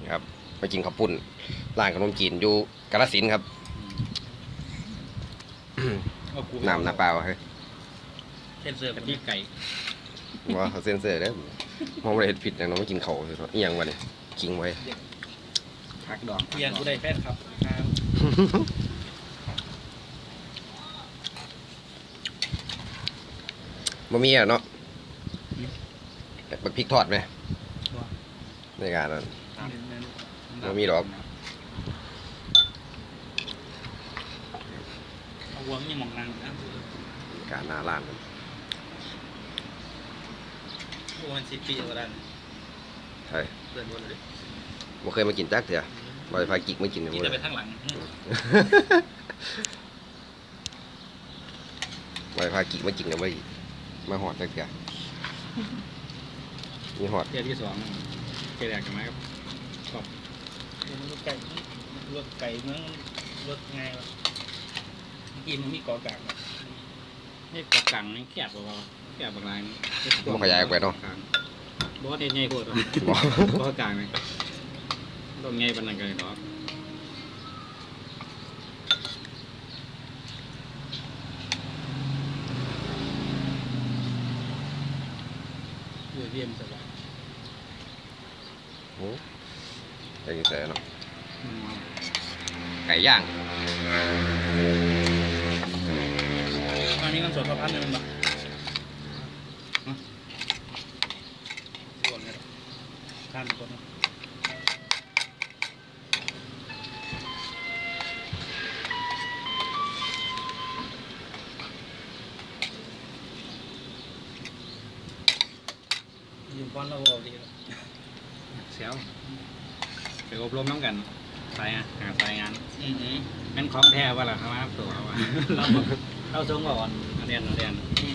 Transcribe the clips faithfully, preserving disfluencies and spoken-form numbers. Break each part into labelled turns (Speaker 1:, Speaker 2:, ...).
Speaker 1: ครับไปกินข้าวปุ้นร้านขนมจีนอยู่กาฬสินธุ์ครับน้ำน้ำเปล่าเฮ้ย
Speaker 2: เส้นเสือกะทิไก่
Speaker 1: ว่าเขาเซ็นเซอร์ได้มองไม่ได้เห็นผิดอย่างน้องไม่กินเขาเลยเอียงวะเนี่ยกิงไว้
Speaker 3: พักดอง
Speaker 2: เอียงกูได้แฟนครับครับ
Speaker 1: บะหมี่อ่ะเนาะบักพริกทอดไหมในการนั้น บ่มีหรอก
Speaker 2: เอาวัวมีหมองนางนะ
Speaker 1: การหน้าร้านมัน
Speaker 2: วัวมันสิบปีกว่าดัน
Speaker 1: ใช่
Speaker 2: เดินวนเลย
Speaker 1: บ่เคยมากินจักเถอะบ่ได้พากิกมากินเลย
Speaker 2: กิน
Speaker 1: บ่
Speaker 2: แต่
Speaker 1: เล
Speaker 2: ไป
Speaker 1: ย
Speaker 2: ข้างหลัง
Speaker 1: บ่ได้พากิกมากินเลยบ่ได้มาหอดจักเถอะมีหอด
Speaker 3: เที่ยวที่สองเที่ยวแรกกันไหมครับขอบ
Speaker 2: รถไก่รถไก่เมืองรถไงวะเมื่อกี้มันมีเกาะกลาง
Speaker 3: ให้กกลางนี่แคบกว่าแคบบางราย
Speaker 1: บ่ขยายออกไปเนาะ
Speaker 3: บอสเนี่ยใหญ่กว่า
Speaker 1: บ่
Speaker 3: บอสกลางเลยต้องใหญ่ปานนั้นกันเนาะ
Speaker 2: เรือเรียมสบาย
Speaker 1: โอ้ใจกินแต่เนาะไก่ย่าง
Speaker 2: อันนี้กันสดพระพันธุ์เลยมันปะส่วนเลยทานคนยืมก้อนเราเอาดีแล้ว
Speaker 3: เซลไปอบรมน้ำกันสายงานหาสายงาน
Speaker 2: อือหือ
Speaker 3: เป็นของแท้ว่าล่ะครับตัวเราเราเราส่งก่อนเรียนเรียน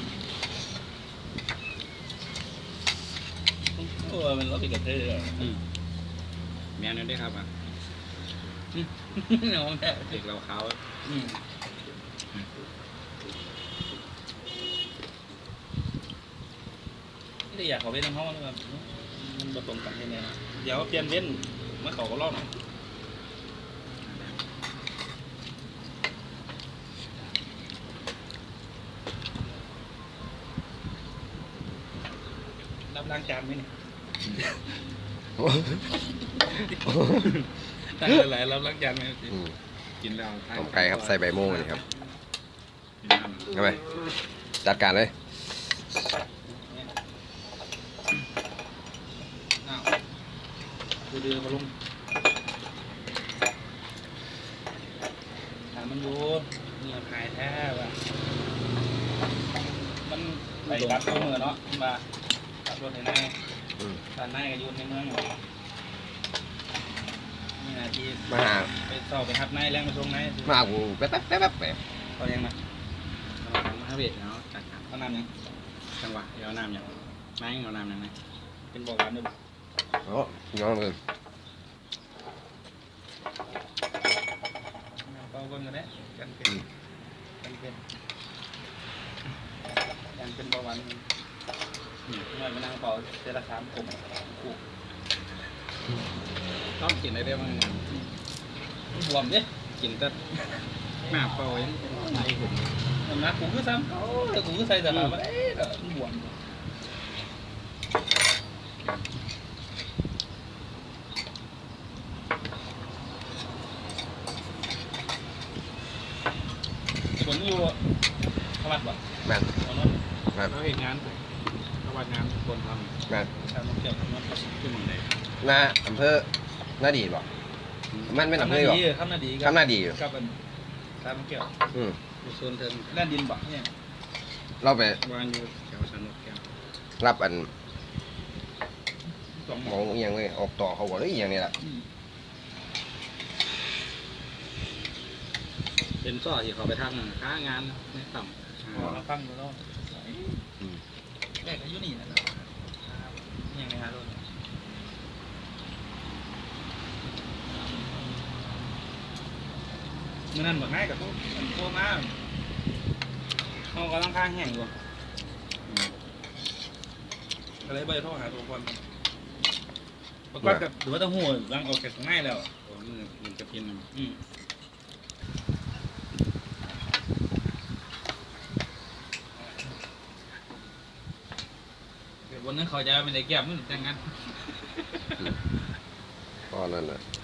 Speaker 2: โอ้มันรถติดกับเธอ
Speaker 3: อืมแม่นั่นได้ครับอ่ะ
Speaker 2: น้องแม่
Speaker 3: เด็กเราเขา
Speaker 2: ไม่ได้อยากขอเว้นน้ำห้องเลยมันบตรงกันแค่นี้เดี๋ยวเปลี่ยนเว้นเมื่อเขาก็รอบหน่อยรับล้างจานไหมเนี่ยตั้งหลายๆรับล้างจานไหม
Speaker 1: อืม
Speaker 3: กินแล้ว
Speaker 1: ต้มไก่ครับใส่ใบโม่นี่ครับเอาไปจัดการเลย
Speaker 2: อ้าวดูเดือมาลงถามมันดูเนื้อขายแท้ว่ะมันไปรับตัวมือเนาะมาขับรถในใน
Speaker 1: อืม
Speaker 2: ตอนในก็อยู่ในเมืองอยู่นี่นาที
Speaker 1: มาหา
Speaker 2: ไปสอบไปหับในแรงไปส่งใน
Speaker 1: มากูแป๊บแป๊บแป๊บแป๊บแป๊บ
Speaker 2: เขายังมา
Speaker 3: มาเวทเนาะจัดการ
Speaker 2: เขานำยัง
Speaker 3: จังหวะเดี๋ยวน้ำอย่างไม่เอาน้ำอย่างไร
Speaker 2: เป็นบอกหวานด้วย
Speaker 1: โอ้ย้อนเลย
Speaker 2: เอาคนกันได้กันเป็นกันเป็นกันเป็นบอกหวานหน่อยมานั่งเป่าเจละสามกลุ่มกู
Speaker 3: ต้องกินอะไรได้บ้าง
Speaker 2: บวมดิ
Speaker 3: กินแต่หน้าเปล่าเองไม่เห็น
Speaker 2: น้ำหนักกูคือซ้ำเขาแต่กูคือใส่แต่ละมันเอ๊ะบวมฝนอยู่ขมัดบ่
Speaker 1: แม่น
Speaker 2: ฝนนั้น
Speaker 1: แม่น
Speaker 3: เขาเห็นงานเขาวัดงานคนท
Speaker 1: แม่น
Speaker 2: ชาวน้องเกี่ยวกับมัน
Speaker 3: ำขึ้นหมดเลย
Speaker 1: หน้าอำเภอหน้าดีบ่มันเป็นอำเภอบ่
Speaker 2: คำนาดี
Speaker 1: คำหน้าดีอยู่
Speaker 2: กับเป็นชาวน้องเกี่ยว
Speaker 1: อืม
Speaker 3: อยู่โซนเทิง
Speaker 2: ด้านดินบ่เนี่ย
Speaker 1: เราไป
Speaker 3: วางอยู่แถวสนุกแก้ว
Speaker 1: รับอัน
Speaker 2: สองห
Speaker 1: ห
Speaker 2: ม
Speaker 1: ม
Speaker 2: อ
Speaker 1: องอหย่างเลยออกต่อเขาบอกเลยอหย่างนี้แหละ
Speaker 3: เป็นซ่อที่เขาไปทำค้างานในต่ำ
Speaker 2: หมอมาฟังดูแล้วแรกอายุนี่นะยังไงฮะโดนเมื่อนั้นบอกง่ายกับพวกพวกมาเขากำลังข้างแห้งอยู่ก็เลยไปโทรหาตัวคนประกอบกับหรือว่าต้องหัวรังออกจากข้างในแล้ว
Speaker 3: โอ้มือมันกระพิน
Speaker 2: อืมวันนั้นเขาจะไม่ได้แก้มมันจังงั้น
Speaker 1: ก็นั่นน่ะ